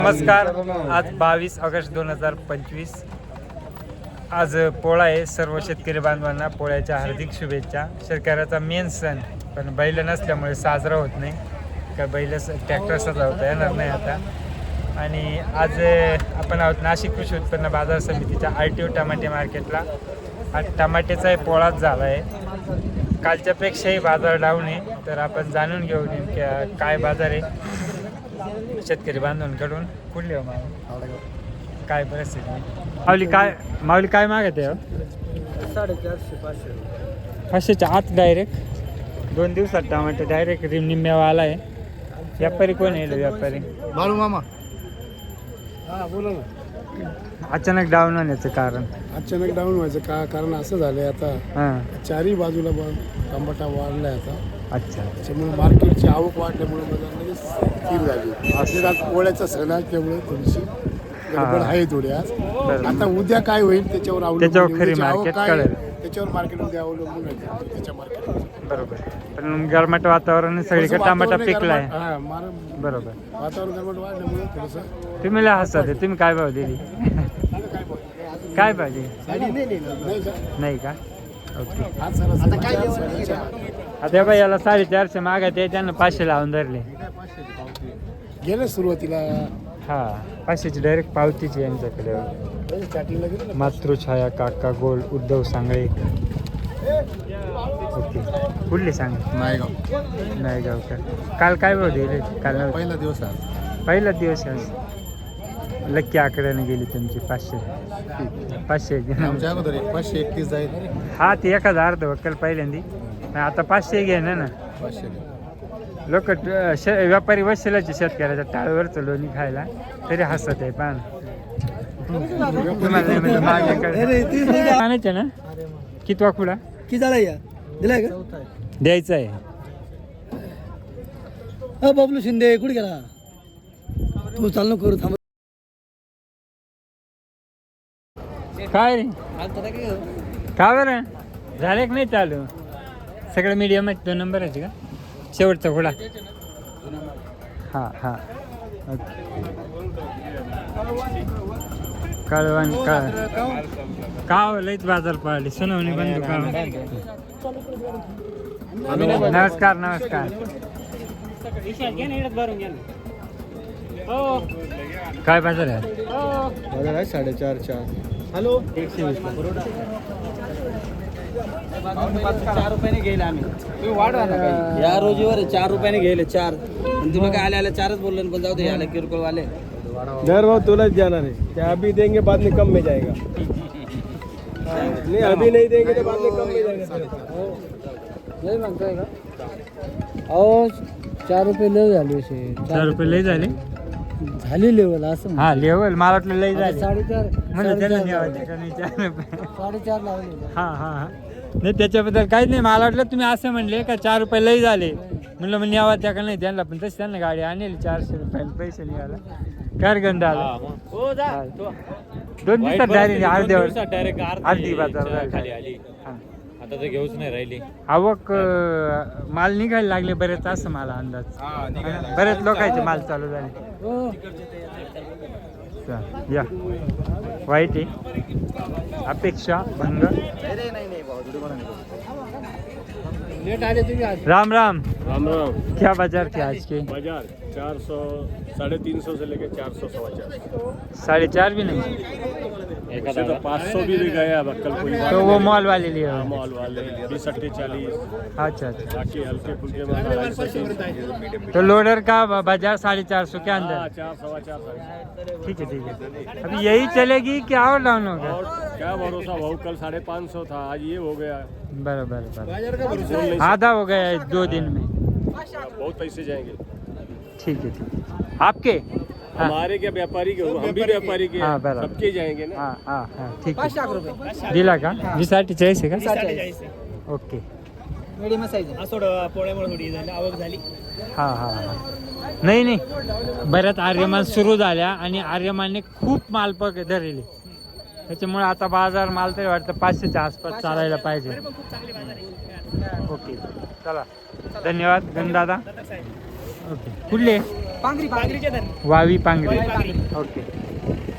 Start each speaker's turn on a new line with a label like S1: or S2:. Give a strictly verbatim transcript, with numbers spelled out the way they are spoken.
S1: नमस्कार. आज बावीस ऑगस्ट दोन हजार पंचवीस. आज पोळा आहे. सर्व शेतकरी बांधवांना पोळ्याच्या हार्दिक शुभेच्छा. शेतकऱ्याचा मेन सण, पण बैल नसल्यामुळे साजरा होत नाही. का बैल ट्रॅक्टर सजवता येणार नाही आता. आणि आज आपण आहोत नाशिक कृषी उत्पन्न बाजार समितीच्या आर टी ओ टमाटे मार्केटला. आज टमाट्याचा पोळाच झाला आहे. कालच्यापेक्षाही बाजार डाऊन आहे. तर आपण जाणून घेऊ नेमक्या काय बाजार आहे शेतकरी बांधवांकडून. कुठले हो मावली, काय परिस्थिती? माऊली काय माऊली काय मागत आहे?
S2: साडेचारशे पाचशे
S1: पाचशेच्या आत डायरेक्ट. दोन दिवसात टमाटे डायरेक्ट रिम निम्म्यावा आला आहे. व्यापारी कोण आहे? व्यापारी
S2: बाळू मामा. हा बोला ना.
S1: अचानक डाऊन होण्याचं कारण?
S2: अचानक डाऊन व्हायचं का कारण असं झालंय आता
S1: हां.
S2: चारही बाजूला पण टमाटा वाढलाय आता.
S1: अच्छा.
S2: त्याच्यामुळे मार्केटची आवक वाढल्यामुळे बाजार लगेच स्थिर झाली. असं आज पोळ्याचा सण असल्यामुळे थोडीशी गडबड आहे थोडी आज. आता उद्या काय होईल त्याच्यावर अवलंबून,
S1: त्याच्यावर खरी
S2: उद्याची आवक
S1: मार्केट
S2: काय
S1: कळेल.
S2: त्याच्यावर मार्केट उद्या अवलंबून आहे त्याच्या मार्केट.
S1: बरोबर. पण गरमाट वातावरण सगळीकडे टमाटा पिकला आहे.
S2: हा मार
S1: बरोबर.
S2: वातावरण गरमट वाढल्यामुळे थोडंसं.
S1: तुम्ही लय हसत आहे. तुम्ही काय भाव दिली? काय पाहिजे? नाही का? ओके. आता बाई याला साडेचारशे मागत आहे, त्यांना पाचशे लावून धरले.
S2: गेलं सुरुवातीला
S1: हा पाचशेची डायरेक्ट पावतीची यांच्याकडे. मातृछाया, काका गोल, उद्धव सांगळे. ओके. कुठली सांग?
S2: नायगाव.
S1: नायगाव का? काल काय भाव दिले? काल
S2: पहिला दिवस आज.
S1: पहिला दिवस आज. लक्की आकड्याने गेली तुमची. पाचशे पाचशे
S2: आमच्या अगोदर पाचशे एकतीस जाईल.
S1: हा ती एखाद अर्ध वक्कल पहिल्यांदी. आता पाचशे घे ना ना.
S2: पाचशे
S1: लोक व्यापारी बसलेचे शेतकऱ्याच्या टाळवरचं लोणी खायला तरी हसत आहे. पान आणायचं ना. किती वाकुडा
S2: किती झाला या दिलाय का?
S1: द्यायचं आहे.
S2: अ बबलू शिंदे कुठे गेला? तू चालू करू थांब.
S1: काय रे? का बरं झाले की नाही चालू? सगळं मीडियम आहे. दोन नंबर आहे का शेवटचा घोडा? हां हां. कळवान का का लईच बाजार पडली. सुनावणी बंद का? नमस्कार नमस्कार. काय बाजार आहे?
S2: बाजार आहे साडेचार चार. हॅलो एकशे वीस. चार रुपयाने घेईल आम्ही. तुम्ही वाढवा ना काही. या रोजीवर चार रुपयाने घेईल चार. पण तुम्ही काय आले आले चारच बोलले. पण जाऊ दे आले किरकोळ वाले.
S3: दर भाव तुरंत जाना है. क्या अभी देंगे बाद में कम में जाएगा. नहीं अभी नहीं देंगे तो बाद में कम में जाएगा.
S2: नाही म्हणताय का? अहो चार रुपये लय झाले.
S1: चार रुपये लय झाले.
S2: झाली लेवल असं.
S1: हा लेवल मला वाटलं लय झाले.
S2: साडेचार
S1: म्हणजे त्याला न्यावं का नाही चार रुपये.
S2: साडेचार लावले.
S1: हा हा हा. नाही त्याच्याबद्दल काहीच नाही. मला वाटलं तुम्ही असं म्हणले का चार रुपये लय झाले. म्हणलं मग न्यावा त्या का नाही त्यांना. पण तशी त्यांना गाडी आणली चारशे रुपयाला पैसे निघाला. कार गंध आला. दोन दिवसात डायरेक्ट अर्ध्यावर अर्धी बाजार
S4: खाली आली. आता तर घेऊच नाही राहिली.
S1: आवक माल निघायला लागले बरेच असं मला अंदाज. बरेच लोकांचे माल चालू झाले. या वाईट आहे. अपेक्षा भंग. राम राम.
S3: राम राम.
S1: क्या बाजार थे आज के?
S3: बाजार चार सौ साढ़े तीन सौ से लेके चार सौ सवा चार.
S1: साढ़े चार भी नहीं.
S3: ऐसे तो पाँच सौ भी गया अब कल कोई बात
S1: तो वो
S3: नहीं.
S1: मॉल वाले लिए
S3: हाँ,
S1: हो?
S3: मॉल वाले बीस अट्ठे चालीस.
S1: अच्छा अच्छा.
S3: बाकी हल्के फुल्के माल ढाई सौ तीन सौ.
S1: तो लोडर का बाजार साढ़े चार सौ के
S3: हाँ,
S1: अंदर.
S3: चार सवा चार साढ़े.
S1: ठीक है ठीक है. अभी यही चलेगी कि और डाउन होगा?
S3: और क्या भरोसा भाव कल साढ़े पाँच सौ था आज ये हो गया.
S1: बराबर बराबर.
S3: बोल नहीं
S1: आधा हो गया है दो दिन में.
S3: सकते. बहुत पैसे जाएंगे.
S1: ठीक है ठीक है. आपके? हाँ
S3: हमारे क्या व्यापारी के हो, हम भी व्यापारी के
S1: हाँ,
S3: हैं.
S1: बराबर.
S3: सबके जाएंगे ना.
S1: हाँ हाँ हाँ ठीक आहे. दिला का? वीस अठ्ठेचाळीस आहे का? ओके.
S2: Medium size.
S4: थोडं पोळ्यामुळे थोडी झाली आवक झाली.
S1: हा हा हा. नाही नाही बऱ्याच आर्यमान सुरू झाल्या आणि आर्यमानने खूप माल पक धरले. त्याच्यामुळे आता बाजार माल तरी वाटतं पाचशेच्या आसपास चालायला पाहिजे. ओके चला धन्यवाद गणदादा. ओके कुठले?
S5: पांगरी पांगरीच्या धर
S1: वावी पांगरी
S5: पांगरी
S1: ओके